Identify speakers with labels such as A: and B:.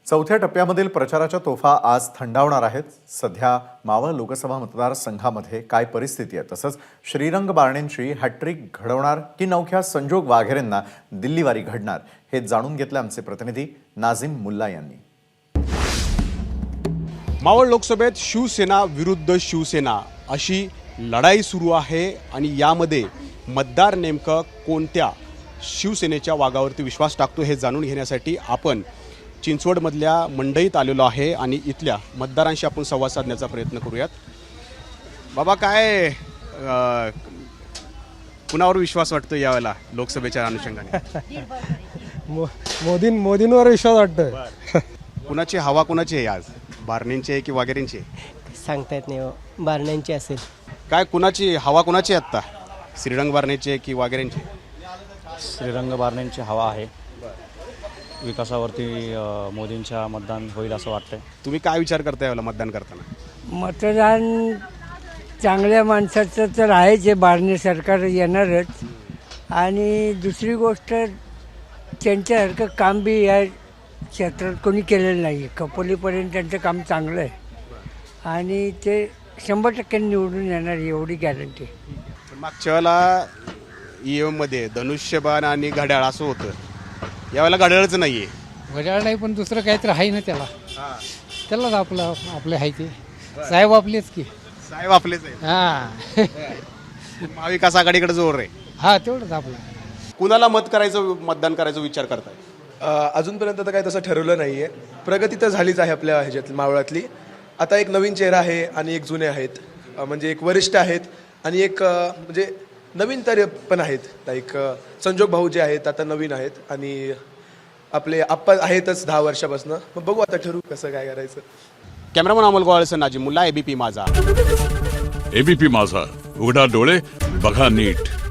A: चौथ्या टप्प्यामधील प्रचाराच्या तोफा आज थंडावणार आहेत। सध्या मावळ लोकसभा मतदारसंघामध्ये काय परिस्थिती आहे, तसंच श्रीरंग बारणेंची हॅट्रिक घडवणार की नवख्या संजोग वाघेरेंना दिल्लीवारी घडणार, हे जाणून घेतले आमचे प्रतिनिधी नाझीम मुल्ला यांनी।
B: मावळ लोकसभेत शिवसेना विरुद्ध शिवसेना अशी लढाई सुरू आहे आणि यामध्ये मतदार नेमकं कोणत्या शिवसेनेच्या वाघावरती विश्वास टाकतो हे जाणून घेण्यासाठी आपण चिंचवडमधल्या मंडईत आलेलो आहे आणि इथल्या मतदारांशी आपण संवाद साधण्याचा प्रयत्न करूयात। बाबा, काय कुणावर विश्वास वाटतो यावेळेला लोकसभेच्या अनुषंगाने?
C: मोदींवर विश्वास वाटतोय।
B: कुणाची हवा कुणाची आहे आज, बारणेंची आहे की वाघेरेंची?
D: सांगता येत नाही, बारणेंची असेल।
B: काय कुणाची हवा कुणाची आहे आत्ता, श्रीरंग बारणेंची आहे की वाघेरेंची?
E: श्रीरंग बारणेंची हवा आहे। विकासावरती मोदींच्या मतदान होईल असं वाटतंय।
B: तुम्ही काय विचार करताय यावेळेला मतदान करताना?
F: मतदान चांगल्या माणसाचं तर आहेच, जे बारणे सरकार येणारच। आणि दुसरी गोष्ट, त्यांच्यासारखं काम बी या क्षेत्रात कोणी केलेलं नाही आहे। कपोलीपर्यंत त्यांचं काम चांगलं आहे आणि ते 100% निवडून येणार, एवढी गॅरंटी।
B: मागच्या वेळेला ईएममध्ये धनुष्यबाण आणि घड्याळ असं होतं, यावेळेला घड्याळच नाही आहे।
C: घड्याळ नाही, पण दुसरं काहीतरी आहे ना त्यालाच आपले आहे ते साहेब आपलेच की।
B: साहेब आपलेच आहे। महाविकास आघाडीकडे जोर आहे।
C: हा, तेवढंच आपलं।
B: कुणाला मतदान करायचं विचार करताय?
G: अजूनपर्यंत तर काही तसं ठरवलं नाही आहे। प्रगती तर झालीच आहे आपल्या ह्याच्यात मावळातली। आता एक नवीन चेहरा आहे आणि एक जुने आहेत, म्हणजे एक वरिष्ठ आहेत आणि एक म्हणजे नवीन तरी पण आहेत। लाईक संजोग भाऊ जे आहेत आता नवीन आहेत आणि आपले आप्पा आहेतच 10 वर्षापासून। मग बघू आता ठरवू कसं काय करायचं।
B: कॅमेरामन अमोल गोवाळसह नाझीम मुल्ला, एबीपी माझा।
H: एबीपी माझा, उघडा डोळे बघा नीट।